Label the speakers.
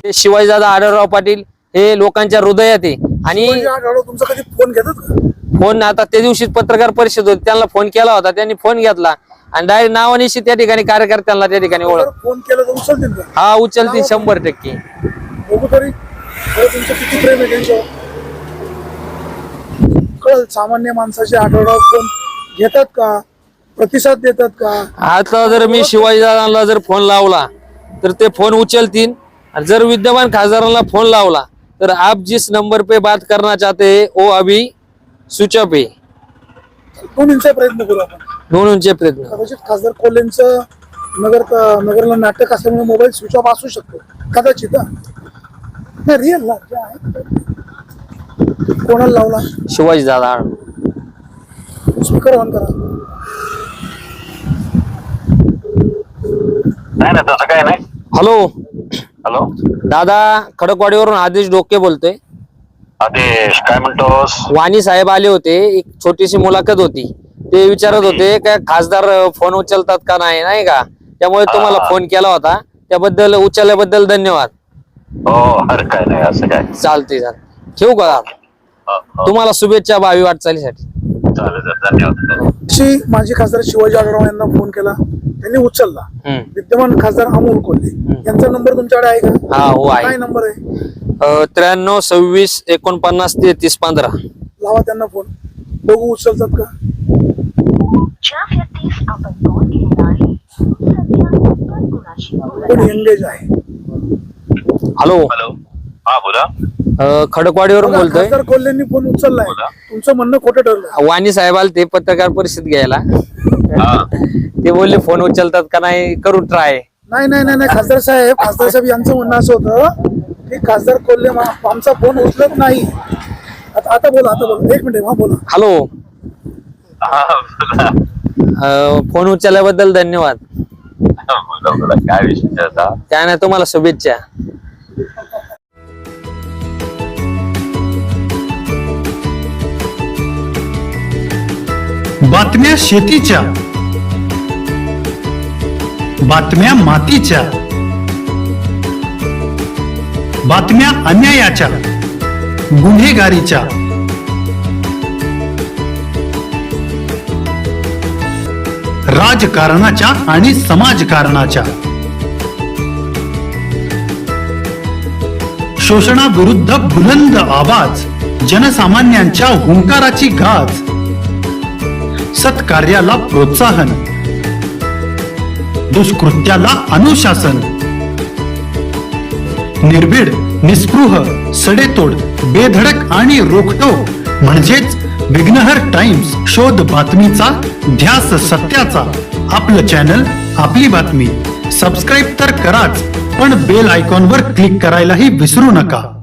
Speaker 1: शिवाजीदादा आढळराव पाटील हे लोकांच्या हृदयात आहे। आणि
Speaker 2: तुमचा कधी फोन घेतात का?
Speaker 1: फोन आता त्या दिवशी पत्रकार परिषद होती, त्यांना फोन केला होता, त्यांनी फोन घेतला आणि डायरेक्ट नावानिशी त्या ठिकाणी कार्यकर्त्यांना त्या ठिकाणी ओळख।
Speaker 2: फोन केला तर उचलतील का?
Speaker 1: हा उचलतील 100%।
Speaker 2: बघू तरी तुमचं किती प्रेम आहे त्यांच्यावर कळल। सामान्य माणसाचे आढळराव फोन घेतात का, प्रतिसाद देतात का?
Speaker 1: आता जर मी शिवाजीदादांना जर फोन लावला तर ते फोन उचलतील, और जर विद्यमान खासदारांना फोन लावला तर आप जिस नंबर पे बात करना चाहते हैं वो अभी स्विच ऑफ है।
Speaker 2: दोन्हींचा प्रयत्न करू आपण।
Speaker 1: दोनोंचे प्रयत्न।
Speaker 2: कदाचित खासदार कोल्हेंचं नगरला नाटक असल्यामुळे मोबाईल स्विच ऑफ असू शकतो कदाचित। रिअल ला कोणाला लावला?
Speaker 1: शिवाजीदादा।
Speaker 2: स्पीकर ऑन करा।
Speaker 3: नाही ना तसं काय नाही।
Speaker 1: हॅलो
Speaker 3: हॅलो
Speaker 1: दादा, खडकवाडीवरून आदेश डोके बोलतोय।
Speaker 3: आदेश काय म्हणतोस?
Speaker 1: वाणी साहेब आले होते, एक छोटीशी मुलाखत होती, ते विचारत होते काय खासदार फोन उचलतात का नाही, नाही का? त्यामुळे तुम्हाला फोन केला होता, त्याबद्दल उचलल्याबद्दल धन्यवाद।
Speaker 3: हो अरे काय नाही असं काय।
Speaker 1: चालते ठेवू का? तुम्हाला शुभेच्छा भावी वाटचालीसाठी।
Speaker 3: चालेल धन्यवाद।
Speaker 2: माजी खासदार शिवाजी आढळराव यांना फोन केला, त्यांनी उचलला। विद्यमान खासदार अमोल कोल्हे यांचा नंबर तुमच्याकडे आहे का?
Speaker 1: हा हो आहे।
Speaker 2: काय नंबर आहे?
Speaker 1: 93 26 49 33 15।
Speaker 2: लावा त्यांना फोन, बघू उचलतात का? कोण एंगेज आहे?
Speaker 1: हॅलो
Speaker 3: हॅलो हा बोला।
Speaker 1: खडकवाडीवरून बोलतोय।
Speaker 2: खासदार कोल्हेंनी फोन उचललाय, तुमचं म्हणणं खोटं ठरलं।
Speaker 1: वाणी साहेब आले ते पत्रकार परिषद घ्यायला, ते बोलले फोन उचलतात का नाही, करू ट्राय।
Speaker 2: नाही नाही नाही नाही खासदार साहेब यांचं म्हणणं असं होतं की खासदार कोल्हे आमचा फोन उचलत नाही। आता बोला, एक मिनिट। हा बोला।
Speaker 1: हॅलो फोन उचलल्याबद्दल धन्यवाद।
Speaker 3: काय विषय आता?
Speaker 1: काय नाही, तुम्हाला शुभेच्छा।
Speaker 4: बातम्या शेतीच्या, बातम्या मातीच्या, बातम्या अन्यायाच्या, गुन्हेगारीच्या, राजकारणाच्या आणि समाजकारणाच्या, शोषणाविरुद्ध बुलंद आवाज, जनसामान्यांच्या हुंकाराची गाज, सत्कार्याला प्रोत्साहन, दुष्कृत्याला अनुशासन, निर्भीड, निस्पृह, सडेतोड, बेधडक आणि रोखटोक म्हणजेच विघ्नहर टाइम्स। शोध बातमीचा, ध्यास सत्याचा। आपलं चॅनल, आपली बातमी। सबस्क्राईब तर कराच, पण बेल आयकॉनवर क्लिक करायलाही विसरू नका।